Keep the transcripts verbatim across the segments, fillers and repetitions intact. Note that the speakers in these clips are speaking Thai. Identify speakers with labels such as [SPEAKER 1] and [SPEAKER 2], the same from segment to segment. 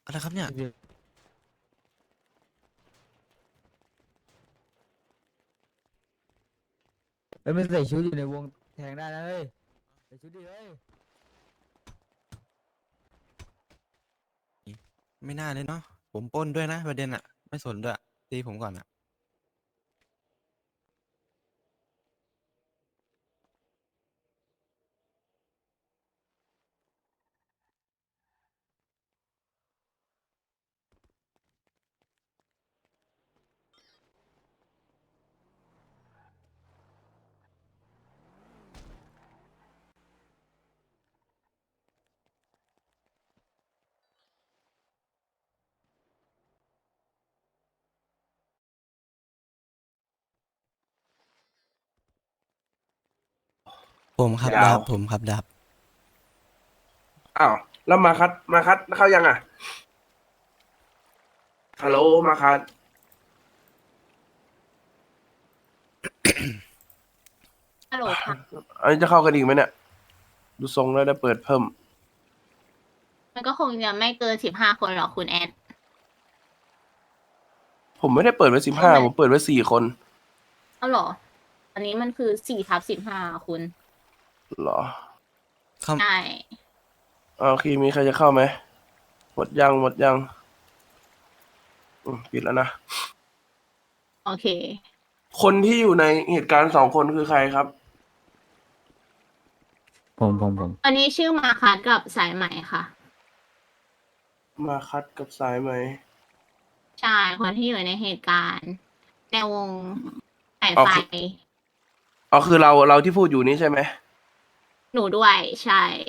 [SPEAKER 1] อะไรครับเนี่ย
[SPEAKER 2] เฮ้ยมันใส่ชุดอยู่ในวงแทงได้นะเฮ้ยใส่ชุดดิเฮ้ย
[SPEAKER 1] ไม่น่าเลยเนาะผมปล้นด้วยนะประเด็นอะไม่สนด้วยตีผมก่อนอะผมครับ
[SPEAKER 3] ยาว
[SPEAKER 1] ดับผมครับดับ
[SPEAKER 3] อ้าว แล้วมาคัด มาคัดเข้ายังอ่ะ ฮัลโหล มาคัด
[SPEAKER 4] ฮัลโหลค่ะ
[SPEAKER 3] อันนี้จะเข้ากันอีกไหมเนี่ย ดูทรงแล้วได้เปิดเพิ่ม
[SPEAKER 4] มันก็คงจะไม่เกินสิบห้าคนหรอกคุณแอด
[SPEAKER 3] ผมไม่ได้เปิดไว้สิบห้า
[SPEAKER 4] ไม่
[SPEAKER 3] ผมเปิดไว้สี่คน
[SPEAKER 4] เอาเหรอ อันนี้มันคือสี่ทับสิบห้าคุณ
[SPEAKER 3] เหรอ
[SPEAKER 1] เข้า
[SPEAKER 4] ใช่
[SPEAKER 3] อ่าโอเค มีใครจะเข้าไหม หมดยัง หมดยัง อืมปิดแล้วนะ
[SPEAKER 4] โอเค
[SPEAKER 3] คนที่อยู่ในเหตุการณ์สองคนคือใครครับ
[SPEAKER 2] ผมผมผม
[SPEAKER 4] อันนี้ชื่อมาคัสกับสายไหมค่ะ
[SPEAKER 3] มาคัดกับสายไหม
[SPEAKER 4] ใช่ คนที่อยู่ในเหตุการณ์ ในวงสาย
[SPEAKER 3] อ๋อ
[SPEAKER 4] ไฟ
[SPEAKER 3] คือ อ๋อ คือเรา เราที่พูดอยู่นี้ใช่ไหม
[SPEAKER 4] หนูด้วย ใช่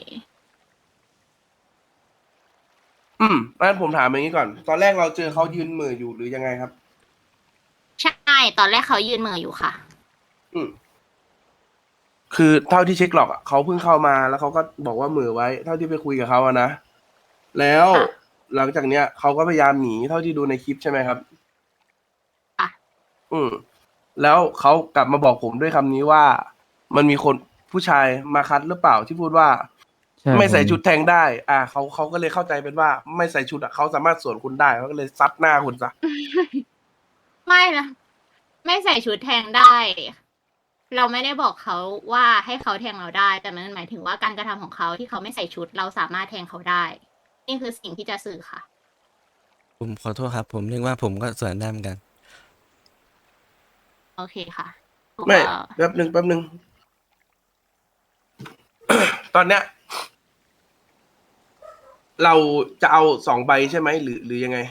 [SPEAKER 3] อืมงั้นผมถามอย่างนี้ก่อน ตอนแรกเราเจอเขายืนเหม่ออยู่หรือยังไงครับ
[SPEAKER 4] ใช่ ตอนแรกเขายืนมืออยู่ค่ะ
[SPEAKER 3] อืม คือเท่าที่เช็คหลอกอะเขาเพิ่งเข้ามาแล้วเขาก็บอกว่าเหม่อไว้ เท่าที่ไปคุยกับเขาอะนะ แล้ว
[SPEAKER 4] ค่ะ
[SPEAKER 3] หลังจากเนี้ยเขาก็พยายามหนีเท่าที่ดูในคลิปใช่ไหมครับ
[SPEAKER 4] ค่ะ
[SPEAKER 3] อืม แล้วเขากลับมาบอกผมด้วยคำนี้ว่า มันมีคนผู้ชายมาคัดหรือเปล่าที่พูดว่า
[SPEAKER 2] ใช่
[SPEAKER 3] ไม่ใส่
[SPEAKER 2] ผม
[SPEAKER 3] ชุดแทงได้ อ่าเขาเขาก็เลยเข้าใจเป็นว่า ไม่ใส่ชุดอะเขาสามารถสวนคุณได้เขาก็เลยซัดหน้าคุณซะ
[SPEAKER 4] ไม่นะ ไม่ใส่ชุดแทงได้ เราไม่ได้บอกเขาว่าให้เขาแทงเราได้ แต่มันหมายถึงว่าการกระทำของเขาที่เขาไม่ใส่ชุด เราสามารถแทงเขาได้ นี่คือสิ่งที่จะสื่อค่ะ
[SPEAKER 1] ผมขอโทษครับ ผมนึกว่าผมก็สวนได้เหมือนกัน
[SPEAKER 4] โอเคค่ะ
[SPEAKER 3] ไม่
[SPEAKER 4] ก็
[SPEAKER 3] แป๊บหนึ่งแป๊บหนึ่ง ตอนเนี้ย เราจะเอาสองใบใช่ไหมหรือหรือยังไง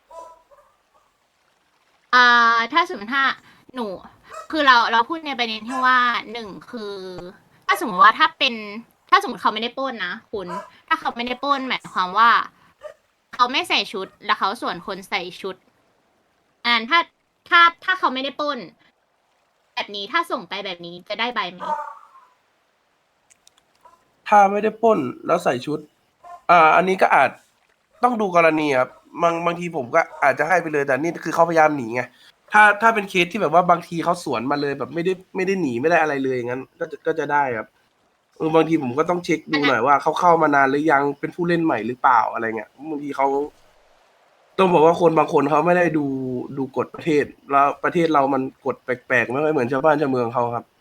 [SPEAKER 4] อ่าถ้าสมมติถ้าหนู คือเราเราพูดในประเด็นที่ว่าหนึ่งคือ ถ้าสมมติว่าถ้าเป็น ถ้าสมมติเขาไม่ได้ปล้นนะคุณ ถ้าเขาไม่ได้ปล้นหมายความว่า เขาไม่ใส่ชุดแล้วเขาส่วนคนใส่ชุดอันนั้นถ้าถ้าถ้าเขาไม่ได้ปล้น แบบนี้ถ้าส่งไปแบบนี้จะได้ใบไหม
[SPEAKER 3] ถ้าไม่ได้ปล้นแล้วใส่ชุด อ่า อันนี้ก็อาจต้องดูกรณีครับบางบางทีผมก็อาจจะให้ไปเลยแต่นี่คือเขาพยายามหนีไง ถ้าถ้าเป็นเคสที่แบบว่าบางทีเขาสวนมาเลยแบบไม่ได้ไม่ได้หนีไม่ได้อะไรเลยอย่างนั้นก็จะก็จะได้ครับเออบางทีผมก็ต้องเช็คดูหน่อยว่าเขาเข้ามานานหรือยังเป็นผู้เล่นใหม่หรือเปล่าอะไรเงี้ยบางทีเขาต้องบอกว่าคนบางคนเขาไม่ได้ดูดูกฎประเทศ แล้วประเทศเรามันกฎแปลกๆไม่ค่อยเหมือนชาวบ้านชาวเมืองเขาครับ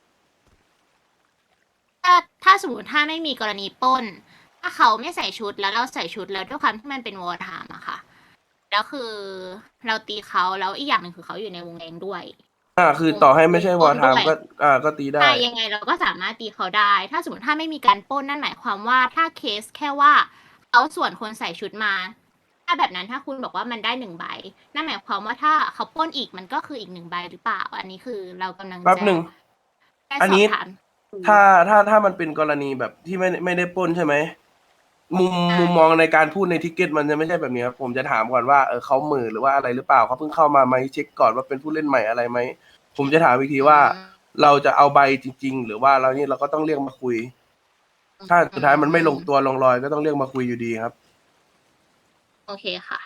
[SPEAKER 4] ถ้าถ้าสมมติถ้าไม่มีกรณีปล้น ถ้าเขาไม่ใส่ชุดแล้วเราใส่ชุดแล้วด้วยความที่มันเป็นวอร์ไทม์อะค่ะ แล้วคือเราตีเขาแล้วอีกอย่างหนึ่งคือเขาอยู่ในวงแดงด้วย
[SPEAKER 3] อ่า คือต่อให้ไม่ใช่วอร์ไทม์
[SPEAKER 4] ด้วย
[SPEAKER 3] ก็ อ่าก็ตีได้
[SPEAKER 4] ใช่ยังไงเราก็สามารถตีเขาได้ ถ้าสมมติถ้าไม่มีการปล้นนั่นหมายความว่าถ้าเคสแค่ว่าเขาส่วนคนใส่ชุดมา ถ้าแบบนั้นถ้าคุณบอกว่ามันได้หนึ่งใบ นั่นหมายความว่าถ้าเขาปล้นอีกมันก็คืออีกหนึ่งใบหรือเปล่า อันนี้คือเรากำลัง
[SPEAKER 3] แป๊บ
[SPEAKER 4] จะ
[SPEAKER 3] หนึ่ง
[SPEAKER 4] ได้
[SPEAKER 3] อัน
[SPEAKER 4] สอ
[SPEAKER 3] นี้
[SPEAKER 4] บถาม
[SPEAKER 3] ถ้าถ้าถ้ามันเป็นกรณีแบบที่ไม่ไม่ได้ปล้นใช่ไหม มุม
[SPEAKER 4] ใช่
[SPEAKER 3] มุมมองในการพูดในทิกเก็ตมันจะไม่ใช่แบบนี้ครับผมจะถามก่อนว่าเออเขาเหมือหรือว่าอะไรหรือเปล่าเขาเพิ่งเข้ามาไหมเช็คก่อนว่าเป็นผู้เล่นใหม่อะไรไหมผมจะถามอีกทีว่า เราจะเอาใบจริง ๆ หรือว่าเรานี่เราก็ต้องเรียกมาคุย ถ้าสุดท้ายมันไม่ลงตัวลงรอยก็ต้องเรียกมาคุยอยู่ดีครับ
[SPEAKER 4] โอเคค่ะ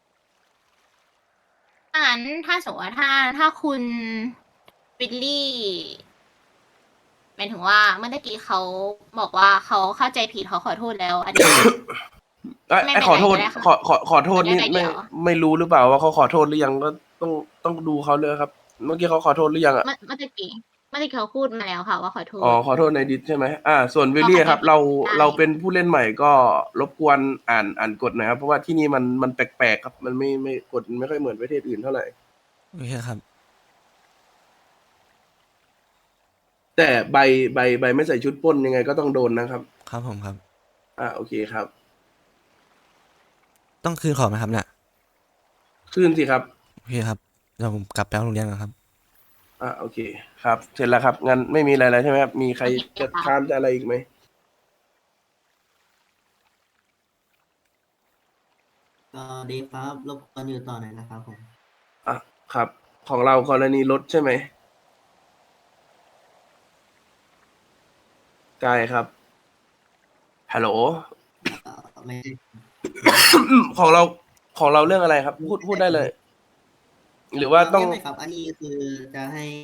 [SPEAKER 4] ถ้างั้นถ้าสมมติว่าถ้าถ้าคุณวิลลี่หมายถึงว่าเมื่อตะกี้เขาบอกว่าเขาเข้าใจผิดเขาขอโทษแล้ว อันนี้
[SPEAKER 3] เอ้ย
[SPEAKER 4] ไม่
[SPEAKER 3] ไอ้
[SPEAKER 4] เป็น
[SPEAKER 3] ขอ
[SPEAKER 4] ไร
[SPEAKER 3] โทษ
[SPEAKER 4] ก็ได้ค่ะ
[SPEAKER 3] ขอขอขอโทษ
[SPEAKER 4] ไม่
[SPEAKER 3] นี่
[SPEAKER 4] ได้
[SPEAKER 3] ไม่
[SPEAKER 4] เดี๋ยว
[SPEAKER 3] ไม่รู้หรือเปล่าว่าเขาขอโทษหรือยังก็ต้องต้องดูเขาเลยครับ เมื่อกี้เขาขอโทษหรือยังอ่ะ
[SPEAKER 4] เมื่อเมื่อตะกี้เมื่อตะกี้เขาพูดมาแล้วค่ะ ว่าขอโท
[SPEAKER 3] อ๋อ
[SPEAKER 4] ษ
[SPEAKER 3] ขอโทษในดิสใช่ไหมอ่า ส่วนวิล
[SPEAKER 4] เขา
[SPEAKER 3] ลี่
[SPEAKER 4] อาจ
[SPEAKER 3] ค
[SPEAKER 4] จะ
[SPEAKER 3] รับ เรา
[SPEAKER 4] ได้
[SPEAKER 3] เราเป็นผู้เล่นใหม่ก็รบกวนอ่านอ่านกฎหนะครับ เพราะว่าที่นี่มันมันแปลกๆครับ มันไม่ไม่กฎไม่ค่อยเหมือนประเทศอื่นเท่าไหร่
[SPEAKER 1] โอเคครับ
[SPEAKER 3] แต่ใบใบใบไม่ใส่ชุดปล้นยังไงก็ต้องโดนนะครับ
[SPEAKER 1] ครับผมครับ
[SPEAKER 3] อ่าโอเคครับ
[SPEAKER 1] ต้องคืนของไหมครับเนี่ย
[SPEAKER 3] ขึ้นสิครับ
[SPEAKER 1] โอเคครับเดี๋ยวผมกลับไปเอาโรงเรียนก่อนครับ
[SPEAKER 3] อ่าโอเค ครับ เสร็จแล้วครับ งั้นไม่มีอะไรแล้วใช่ไหมครับ มีใคร
[SPEAKER 4] โอเค
[SPEAKER 3] จะ
[SPEAKER 4] ค่ะ
[SPEAKER 3] ค้านจะอะไรอีกไหม
[SPEAKER 5] ก็ดีครับรบกวนอยู่ต่อหน่อยนะครับผม
[SPEAKER 3] อ่ะครับ ของเรากรณีรถใช่ไหมกายครับ ฮัลโหล
[SPEAKER 5] เอ่อไม่ได้
[SPEAKER 3] ของเราของเราเรื่องอะไรครับ พูดพูดได้เลย หรือว่าต้อง
[SPEAKER 5] ไม่ไม่ครับ อันนี้คือจะให้